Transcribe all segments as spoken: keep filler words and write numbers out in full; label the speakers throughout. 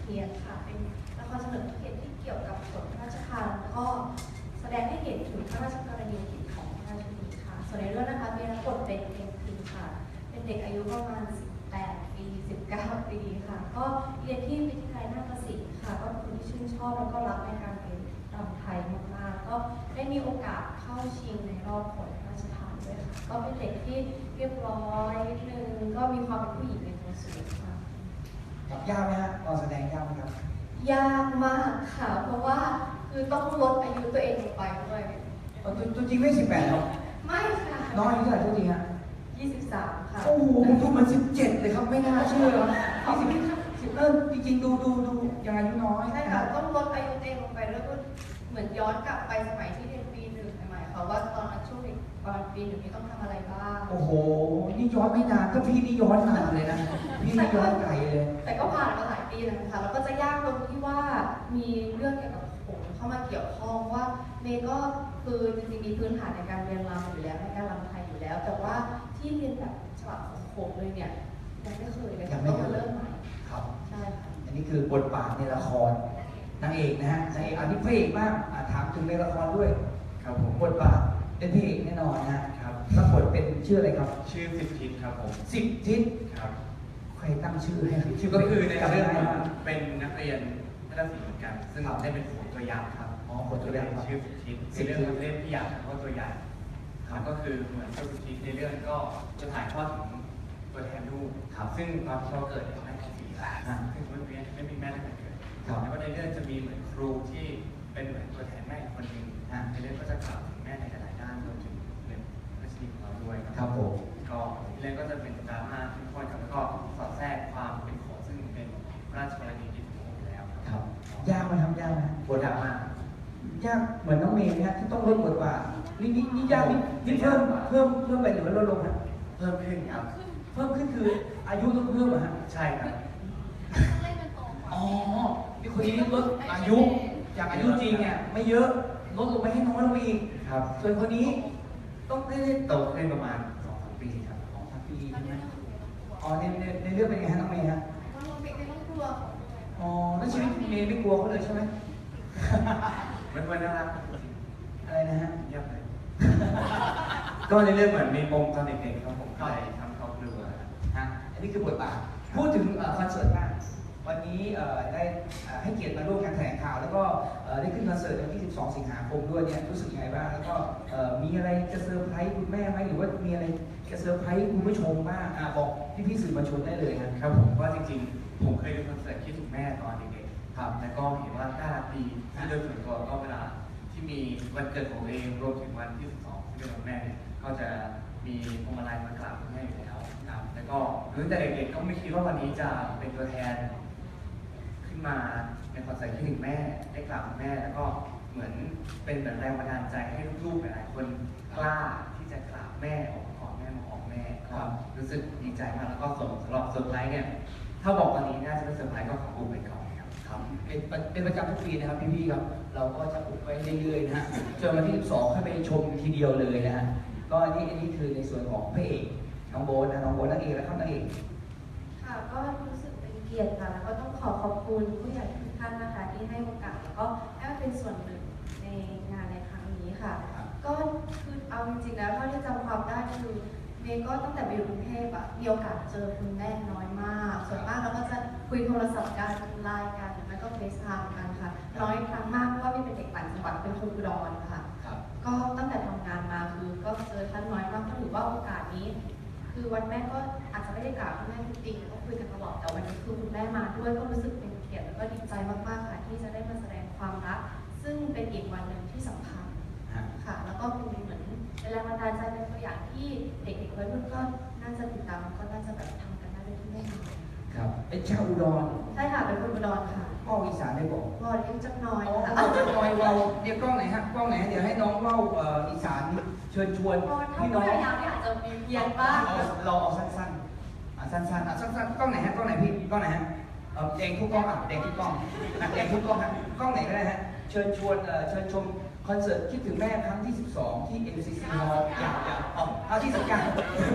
Speaker 1: เทียนค่ะเป็นละครเฉลิมพระเกียรติที่เกี่ยวกับส่วนพระราชทานแล้วก็แสดงให้เห็นถึงพระราชกรณียกิจของพระราชินีค่ะส่วนในเรื่องนะคะมีรับบทเป็นเพนพินค่ะเป็นเด็กอายุประมาณสิบแปดปีสิบเก้าปีค่ะก็เรียนที่วิทยาลัยนาฏศิลป์ค่ะก็เป็นคนที่ชื่นชอบแล้วก็รักในการเรียนรำไทยมากๆก็ได้มีโอกาสเข้าชิงในรอบผลพระราชทานด้วยค่ะก็เป็นเด็กที่เรียบร้อยนิดนึงก็มีความเป็นผู้หญิงในตัวสูงค่ะ
Speaker 2: ครับยากไหมฮะตอนแสดงยากไหมครับ
Speaker 1: ยากมากค่ะเพราะว่าคือต้องลดอายุตัวเองลงไปด้วย
Speaker 2: ตัวตัวจริงไม่สิบแปดหรอ
Speaker 1: ไม่ค่ะ
Speaker 2: น้องอายุเท่าไหร่ตัวจริงฮะ
Speaker 1: ยี่สิบสามค่ะ
Speaker 2: โอ้โหผมดูมันสิบเจ็ดเลยครับไม่น่าเชื่อยี่สิบสิบเออจริงๆดูดูดูยังอายุน้อย
Speaker 1: ใช่ค่ะต้องลดอายุตัวเองลงไปแล้วก็เหมือนย้อนกลับไปสมัยที่เรียนปีหนึ่งใหม่ๆค่ะว่าตอนนั้นช่วงเด็กตอนปีหนึ่งนี่ต้องทำอะไรบ้าง
Speaker 2: โอ้โหนี่ย้อนไม่นานก็พี่นี่ย้อนนานเลยนะพี่นี่ย้อนไกลเลย
Speaker 1: แต่ก็ผ่านมาหลายปีแล้วนะคะแล้วก็จะยากตรงที่ว่ามีเรื่องเกี่ยวกับโขนเข้ามาเกี่ยวข้องว่าเมย์ก็คือจริงๆมีพื้นฐานในการเรียนรำอยู่แล้วในการรำไทยอยู่แล้วแต่ว่าที่เรียนแบบฉบับของโขนเลยเนี่ยยังไม่เคยเลยค่ะต้องมาเริ่มใหม่
Speaker 2: ครับ
Speaker 1: ใช่ค่ะ
Speaker 2: อันนี้คือบทบาทในละครนางเอกนะฮะในอันนี้พระเอกบ้างถามถึงในละครด้วยครับผมบทบาทเป็นพระเอกแน่นอนนะครับรับบทเป็นชื่ออะไรครับ
Speaker 3: ชื่อสิบทิศครับผม
Speaker 2: สิบทิศ
Speaker 3: ครับ
Speaker 2: ใครตั้งชื่อให้
Speaker 3: ชื่อก็คือในเรื่องเป็นนักเรียนนักศึกษาเหมือนกันซึ่งได้เป็นโขนตัวอย่างครับ
Speaker 2: อ๋อโขนตัวอย่าง
Speaker 3: ชื่อสิบทิศในเรื่องเราเล่นพี่อยากเขาตัวอย่างครับก็คือเหมือนสิบทิศในเรื่องก็จะถ่ายทอดถึงตัวแทนลูกครับซึ่งตอนที่เขาเกิดเขาให้สี่หลานซึ่งไม่มีไม่มีแม่ตั้งแต่เกิดแล้วก็ในเรื่องจะมีเหมือนครูที่เป็นเหมือนตัวแทนแม่คนหนึ่งในเรื่องก็จะกล่าวถึงแม่ในหลายด้านรวมถึงเป็นราชินีของเราด้วย
Speaker 2: ครับผม
Speaker 3: ก็เรื่องก็จะเป็นดราม่าที่ค่อนข้างแล้วก็สอดแทรกความเป็นโขนซึ่งเป็นพระราชกรณียกิจของผมแล้ว
Speaker 2: ครับยากไหมทำยากไหมบทดราม่ายากเหมือนน้องเมย์นะที่ต้องลดบทบาทนี่นี่นี่ยากนี่นี่เพิ่มเพิ่มเพิ่มไปหรือว่าลดลงนะ
Speaker 3: เพิ่มขึ้นครับ
Speaker 2: เพิ่มขึ้นคืออายุต้องเพิ่มเหรอฮะ
Speaker 3: ใช่ครับ
Speaker 2: อ๋อนี่คนนี้ลดอายุจากอายุจริงเนี่ยไม่เยอะลดลงไปให้น้อยลงไปอีก
Speaker 3: ครับ
Speaker 2: ส่วนคนนี้ต้องได้
Speaker 3: โตขึ้นประมาณสองสามปีครับ
Speaker 2: สองสามปีใช่ไหมอ๋อในในในเรื่องเป็นไงฮะน้องเมย์ฮะ
Speaker 1: น้องเมย์ไม่ต้องกลัว
Speaker 2: อ๋อแล้วชีวิตเมย์ไม่กลัวเขาเลยใช่ไหม
Speaker 3: มันมันน่ารัก
Speaker 2: อะไรนะฮะ
Speaker 3: เงียบเลยก็ในเรื่องเหมือนมีปมตอนเด็กๆครับผมก็เลยทำเขากลัว
Speaker 2: ฮะอันนี้คือบทบาทพูดถึงคอนเสิร์ตบ้างวันนี้ได้ให้เกียรติมาร่วมงานแถลงข่าวแล้วก็ได้ขึ้นคอนเสิร์ตวันที่สิบสองสิงหาคมด้วยเนี่ยรู้สึกยังไงบ้างแล้วก็มีอะไรจะเซอร์ไพรส์คุณแม่ไหมหรือว่ามีอะไรจะเซอร์ไพรส์คุณผู้ชมบ้างบอกพี่ๆสื่อมวลชนได้เลย
Speaker 3: ครับผมว่าจริงๆผมเคยดูคอนเสิร์ตที่ถูกแม่ตอนเด็กๆครับแล้วก็เห็นว่าน่ารักดีที่โดยส่วนตัวก็เวลาที่มีวันเกิดของเองรวมถึงวันที่สิบสองที่เป็นวันแม่เนี่ยก็จะมีพวงมาลัยมากราบคุณแม่อยู่แล้วครับแล้วก็ตั้งแต่เด็กๆก็ไม่คิดว่าวันนี้จะเป็นตัวแทนขึ้นมาในคอนเสิร์ตที่ถึงแม่ได้กราบคุณแม่แล้วก็เหมือนเป็นแบบแรงบันดาลใจให้ลูกๆหลายๆคนกล้าที่จะกราบแม่ออกกอดแม่มาหอมแม่ก็รู้สึกดีใจมากแล้วก็สำหรับเซอร์ไพรส์เนี่ยถ้าบอกวันนี้น่าจะเป็นเซอร์ไพรส์ก็ขออุบไว้ก่อนครับ
Speaker 2: ครับเป็นเป็นประจำทุกปีนะครับพี่ๆครับเราก็จะอุบไว้เรื่อยๆนะฮะจนวันที่สิบสองให้ไปชมทีเดียวเลยนะฮะก็อันนี้อันนี้คือในส่วนของพระเอกน้องโบ๊ทนะน้องโบ๊ทนางเอกและข้างนางเอก
Speaker 1: ค่ะก็รู้สึกเป็นเกียรติค่ะแล้วก็ต้องขอขอบคุณผู้ใหญ่ทุกท่านนะคะที่ให้โอกาสแล้วก็ให้มาเป็นส่วนหนึ่งในงานในครั้งนี้ค่ะก็คือเอาจริงๆแล้วเท่าที่จำความได้คือเมย์ก็ตั้งแต่ไปอยู่กรุงเทพอะมีโอกาสเจอคุณแม่น้อยมากส่วนมากเราก็จะคุยโทรศัพท์กันไลน์กันแล้วก็เฟซไทม์กันค่ะน้อยครั้งมากเพราะว่าเมย์เป็นเด็กต่างจังหวัดเป็นคนอุดรค่ะก็ตั้งแต่ทำงานมาคือก็เจอท่านน้อยมากก็ถือว่าโอกาสนี้คือวันแม่ก็อาจจะไม่ได้กราบคุณแม่ทุกปีก็คุยกันตลอดแต่วันนี้คือคุณแม่มาด้วยก็รู้สึกเป็นเกียรติแล้วก็ดีใจมากๆค่ะที่จะได้มาแสดงความรักซึ่งเป็นอีกวันหนึ่งที่สำคัญค่ะแล้วก็เป็นเหมือนเป็นแรงบันดาลใจเป็นตัวอย่างที่เด็กๆวัยรุ่นก็น่าจะติดตามก็น่าจะแบบทำกันได้ด้วยที่แม่ทำ
Speaker 2: ครับเป็นชาวอุดร
Speaker 1: ใช่ค่ะเป็นคนอุดรค่ะ
Speaker 2: พ่ออีสานได้บอก
Speaker 1: พ่อเลี้ยงจักน้อย
Speaker 2: ค่ะจักน้อยเราเดี๋ยวกล้องไหนฮะกล้องไหนเดี๋ยวให้น้องเล่าอีสานเชิญชวน
Speaker 1: พี่น้องพยายามที่อาจจะมีเพียงบ้าง
Speaker 2: เราเอาสั้นๆอ่ะสั้นๆอ่ะสั้นๆกล้องไหนฮะกล้องไหนพี่กล้องไหนฮะเออแดงทุกกล้องอ่ะแดงทุกกล้องอ่ะแดงทุกกล้องฮะกล้องไหนก็ได้ฮะเชิญชวนเอ่อเชิญชมคอนเสิร์ตคิดถึงแม่ครั้งที่สิบสองที่ เอ็ม ซี ซี Hall อยากอยากอ๋อครั้งที่สิบเก้า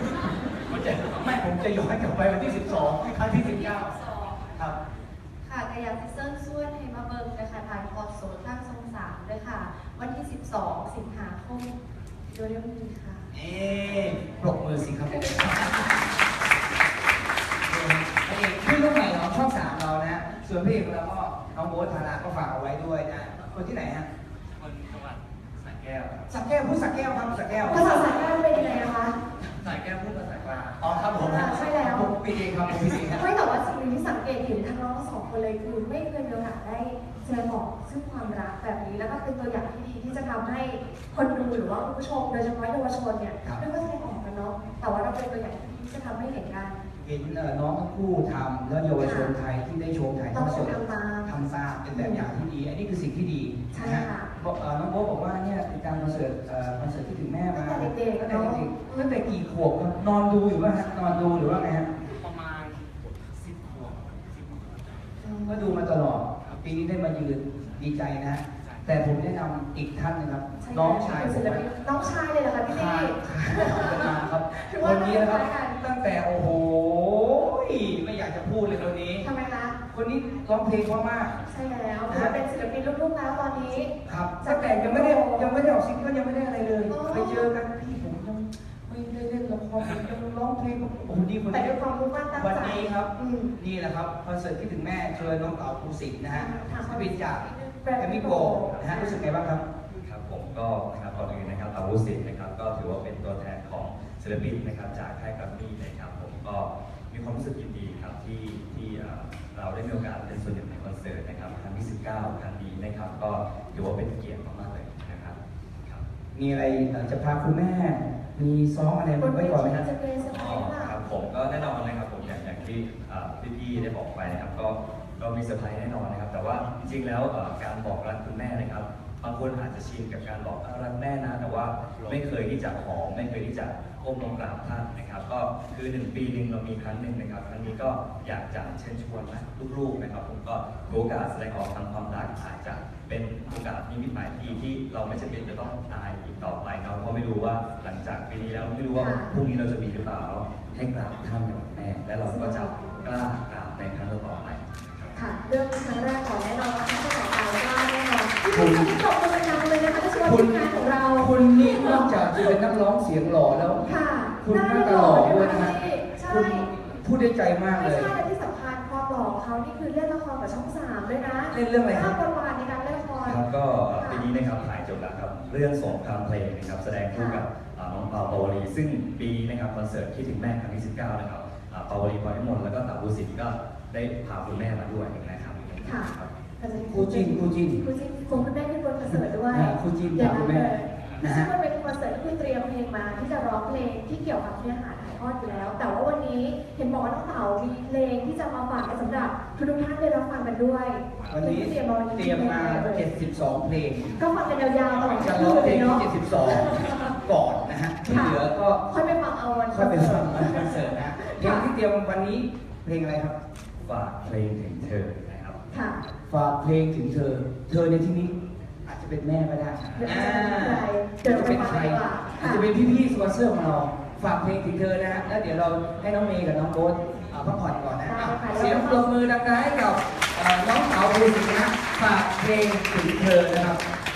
Speaker 2: ผมจะไม่ผมจะย้อนกลับไปวันที่สิบสองครั้งที่สิบเก้าครับ
Speaker 1: ค่ะในอยากซิเซิลส่วนให้มาเบิ่งนะคะถ่ายทอดสดทางช่องสามด้วยค่ะ วันที่ สิบสอง สิงหาคมโดยเร็วนี้ค่ะ
Speaker 2: เอ๊ะปรบมือสิครับผมพระเอกขึ้นรุ่นใหม่ของช่องสามเรานะฮะส่วนพระเอกของเราก็น้องโบ๊ทธาราก็ฝากเอาไว้ด้วยนะคนที่ไหนฮะ
Speaker 3: คนจังหวัดสระแก้วครับ
Speaker 2: สักแก้วพูดสักแก้วครับสักแก้ว
Speaker 1: ภาษาสายการเป็นยังไงนะคะ
Speaker 3: สระแก้วพูดภาษากลาง
Speaker 2: อ๋อครับผม
Speaker 1: ใช่แล้ว
Speaker 2: ผมพี่เองครับผมพี่เองครับ
Speaker 1: ไม่แต่ว่าสิ่งหนึ่งที่สังเกตเห็นทั้งน้องทั้งสองคนเลยคือไม่เคยมีโอกาสได้แสดงออกซึ่งความรักแบบนี้แล้วก็เป็นตัวอย่างที่ดีที่จะทำให้คนดูหรือว่าคุณผู้ชมโดยเฉพาะเยาวชนเนี่ยไม่ว่าแสดงออกกันเนาะแต่ว่าเราเป็นตัวอย่างที่ดีที่จะทำให้เห็นกัน
Speaker 2: เห็นเอ่อน้องทั้งคู่ทำแล้วเยาวชนไทยที่ได้ชมถ่ายทอดสด
Speaker 1: ต้องทำตาม
Speaker 2: ทำตามเป็นแบบอย่างที่ดีอันนี้คือสิ่งที่ดี
Speaker 1: ใช่
Speaker 2: นะฮะ
Speaker 1: ค่ะ
Speaker 2: บอกเอ่อน้องโบ๊ทบอกว่าเนี่ยติดตามคอนเสิร์ตเอ่อคอนเสิร์ตที่ถึงแม่มา
Speaker 1: ตั้งแต่เด็กๆ
Speaker 2: ตั้งแต่
Speaker 1: เนอะ
Speaker 2: เด็กๆตั้งแต่กี่ขวบครับนอนดูอยู่ป่ะฮะนอนดูหรือว่าไงฮะ
Speaker 3: ประมาณสิบขวบสิบขวบ
Speaker 2: ก็ดูมาตลอดปีนี้ได้มายืนดีใจนะฮะแต่ผมแนะนำอีกท่านหนึงครับ
Speaker 1: ใช่
Speaker 2: น้องชายผ
Speaker 1: ศิ
Speaker 2: ม
Speaker 1: ลปินน้องชายเลยเหรอคะพี่
Speaker 2: ขา
Speaker 1: ตี้
Speaker 2: ดขาดครับ
Speaker 1: ถือ
Speaker 2: ค
Speaker 1: ว่าน
Speaker 2: นี้นะครับ
Speaker 1: น่ารักกัน
Speaker 2: ตั้งแต่โอ้โหไม่อยากจะพูดเลยคนนี้
Speaker 1: ทำไมคะ
Speaker 2: คนนี้ร้องเพลงเพราะมาก
Speaker 1: ใช่แล้วถือว่าเป็นศิลปินลูกๆแล้วตอนนี้
Speaker 2: ครับตั้งแต่ยังไม่ได้ยังไม่ได้ออกซิงเกิลยังไม่ได้อะไรเลย
Speaker 1: อ๋อ
Speaker 2: ไปเจอกันพี่ผมยังไม่ได้เล่นละครผมยังร้องเพลงกับโอ้โหดีคน
Speaker 1: แต่
Speaker 2: นี้
Speaker 1: ด้วยความมุ่งมั่นตั้งใจ
Speaker 2: วันนี้ครับ
Speaker 1: อืม
Speaker 2: นี่แหละครับคอนเสิร์ตที่ถึงแม่เชิญน้องเต๋าภูสิทธิ์นะฮะ
Speaker 1: ค่ะ
Speaker 2: ศิลปินจากแกรมมี่โกลด์นะฮะรู้สึกไงบ้างครับ
Speaker 4: ครับผมก็นะครับก่อนอื่นนะครับอาวุธสิทธิ์นะครับก็ถือว่าเป็นตัวแทนของศิลปินนะครับจากค่ายแกรมมี่นะครับผมก็มีความรู้สึกยินดีครับที่ที่เอ่อเราได้มีโอกาสเป็นส่วนหนึ่งในคอนเสิร์ตนะครับครั้งที่สิบเก้าครั้งนี้นะครับก็ถือว่าเป็นเกียรติมากๆเลยนะครับครับ
Speaker 2: มีอะไรเอ่อจะพาคุณแม่ มีซ้อมอะไรไว้ก่อนไหมครับ
Speaker 1: จะเป็นสไต
Speaker 4: อ๋อ
Speaker 1: ล์ค่ะ
Speaker 4: ครับผมก็แน่นอนนะครับผมอย่างอย่างที่เอ่อพี่ๆได้บอกไปนะครับก็ก็มีเซอร์ไพรส์แน่นอนนะครับแต่ว่าจริงๆแล้วเอ่อการบอกรักคุณแม่นะครับบางคนอาจจะชินกับการบอกรักแม่นะแต่ว่าไม่เคยที่จะหอมไม่เคยที่จะก้มลงกราบท่านนะครับก็คือหนึ่งปีหนึ่งเรามีครั้งหนึ่งนะครับครั้งนี้ก็อยากจะเชิญชวนนะลูกๆนะครับผมก็ถือโอกาสแสดงออกทางความรักอาจจะเป็นโอกาสนิมิตหมายที่ที่เราไม่จำเป็นจะต้องตายอีกต่อไปเนาะเพราะไม่รู้ว่าหลังจากปีนี้แล้วไม่รู้ว่าพรุ่งนี้เราจะมีหรือเปล่าให้กราบท่านกับแม่และเราก็จะกล้ากราบในครั้งต่อไป
Speaker 1: ค่ะเรื่องครั้งแรกของแน่นอนว่าครั้งต่อไปก็แน่นอนที่คุณจบกันเป็นยังเลยนะคะที่ชวนทีมงานของเรา
Speaker 2: คุณนี่นอกจากจะเป็นนักร้องเสียงหล่อแล้ว
Speaker 1: ค่ะ
Speaker 2: คุณหน้าตาหล่อด้วยนะฮะ
Speaker 1: ใช่
Speaker 2: คุณพูดได้ใจมาก
Speaker 1: ไม่
Speaker 2: เลย
Speaker 1: ใช่และที่สำคัญความหล่อของเขานี่คือเล่นละครกับช่องสามด้วยนะ
Speaker 2: เล่นเรื่องอะไรครับ
Speaker 1: ภาพประวัติในการเล่นละคร
Speaker 4: ครับก็ปีนี้นะครับถ่ายจบแล้วครับเรื่องสงครามเพลงนะครับแสดงคู่กับอ่าน้องเปาปาวลีซึ่งปีนี้นะครับคอนเสิร์ตที่ถึงแม่ครั้งที่สิบเก้านะครับอ่าปาวลีปอยมนแล้วก็เต๋าบุสิทธิ์ก็ได้พาคุณแม่มาด้วยนะครับ
Speaker 1: ค่ะ
Speaker 4: ครับ
Speaker 2: คู่จิ้นคู่จิ้น
Speaker 1: ครูจินคงคุณแม่ขึ้นบนคอนเสิร์ตด้วย
Speaker 2: อ่าครูจินกับคุณแม่นะฮะ
Speaker 1: ซึ่งมันเป็นคอนเสิร์ตที่คุณเตรียมเพลงมาที่จะร้องเพลงที่เกี่ยวกับเนื้อหาถ่ายทอดอยู่แล้ว แต่ว่าวันนี้เห็นบอกว่าน้องเต๋ามีเพลงที่จะมาฝากสำหรับทุกท่านได้รับฟังกันด้วย
Speaker 2: วันนี้
Speaker 1: เตรียมมาวันนี้
Speaker 2: เตรียมมาเจ็ดสิบสองเพลง
Speaker 1: ก็ฟังกันยาวๆตลอด
Speaker 2: จะ
Speaker 1: ทั้ง
Speaker 2: ร้อง
Speaker 1: คืน
Speaker 2: เพล
Speaker 1: เลย
Speaker 2: งที่
Speaker 1: เนาะ
Speaker 2: เจ็ดสิบสองก่อนนะฮะที่เหลือก็
Speaker 1: ค่อยไปฟังเอาวัน
Speaker 2: ค่อยไปฟังวันคอนเสิร์ตนะเพลงที่เตรียมวันนี้เพลงอะไรครับ
Speaker 4: ฝากเพลงถึงเธอนะครับ
Speaker 1: ค่ะ
Speaker 2: ฝากเพลงถึงเธอ เธอในที่นี้อาจจะเป็นแม่ก็ได้
Speaker 1: เดี๋ยว
Speaker 2: อ่า
Speaker 1: จะเป็นใครเดี๋ยว
Speaker 2: จะเป็นใคร
Speaker 1: ไปฟังดีกว่า
Speaker 2: อาจจะเป็นพี่ๆสปอนเซอร์ของเรา ฝากเพลงถึงเธอนะฮะ แล้วเดี๋ยวเราให้น้องเมย์กับน้องโบ๊ทอ่าพักผ่อนก่อนนะอ่ะเสียงปรบมือดังๆให้กับเอ่อน้องสาวภูสิทธิ์นะ ฝากเพลงถึงเธอนะครับ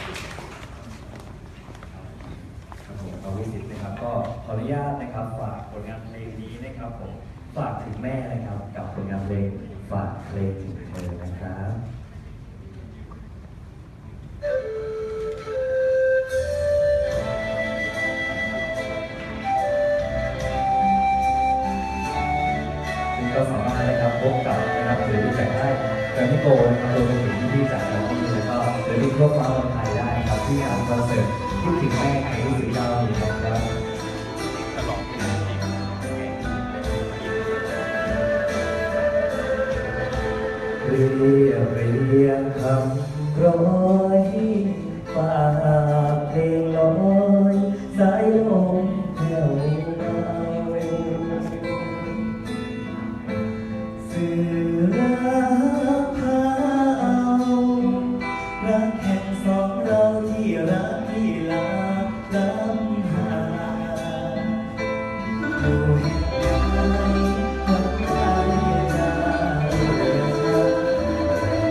Speaker 4: ครับผมเอาวิสิตนะครับก็ขออนุญาตนะครับฝากผลงานเพลงนี้นะครับผมฝากถึงแม่นะครับกับผลงานเพลงฝากเพลงถึงเธอนะครับซึ่งก็สามารถนะครับพบกับนะครับหรือรู้จักได้แกรมมี่โกลด์นะครับรวมไปถึงที่จากน้องมีแล้วก็หรือที่ทั่วฟ้าเมืองไทยได้นะครับที่งานคอนเสิร์ตที่ถึงแม่ครั้งที่สิบเก้านี้นะครับ เรียบเรียงคำร้อยฝากเพลงลอยสายลมแผ่วเบาสื่อรักพาเอารักแห่งสองเราที่รักที่ลาล้ำหาอยู่แห่งใดวันใดจะเดิน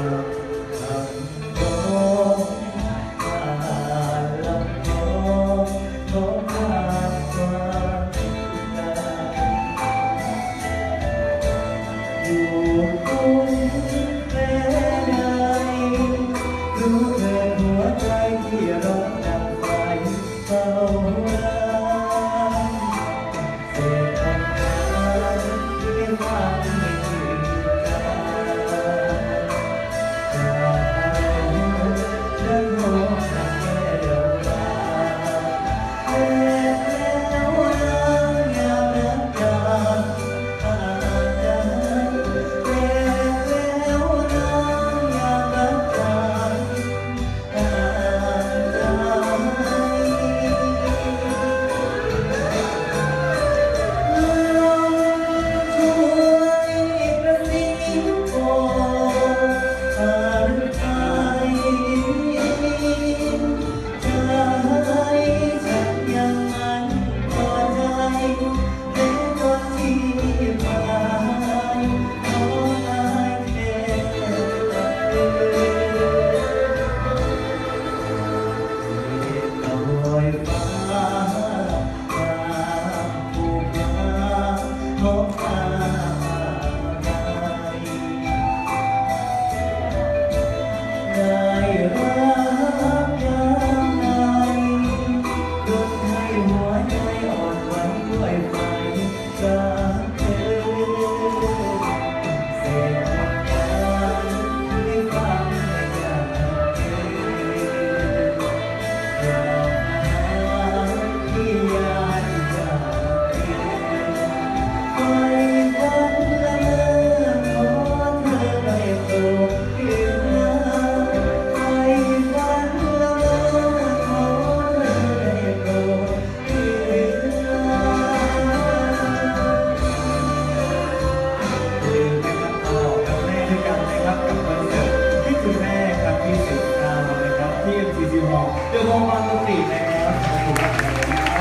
Speaker 5: เดี๋ยวมองมาตรงนี้นะครับขอบคุณมากครับ
Speaker 1: เป็นค่ะ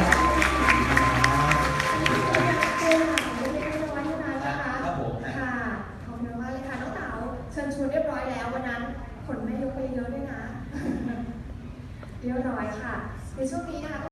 Speaker 1: ไม่ได้เรียบร้อยเท่านั้นนะคะ
Speaker 2: ครับผม
Speaker 1: ค่ะขอบคุณมากเลยค่ะน้องเต๋าเชิญชวนเรียบร้อยแล้ววันนั้นขนแม่ยกไปเยอะด้วยนะ เรียบร้อยค่ะในช่วงนี้นะคะ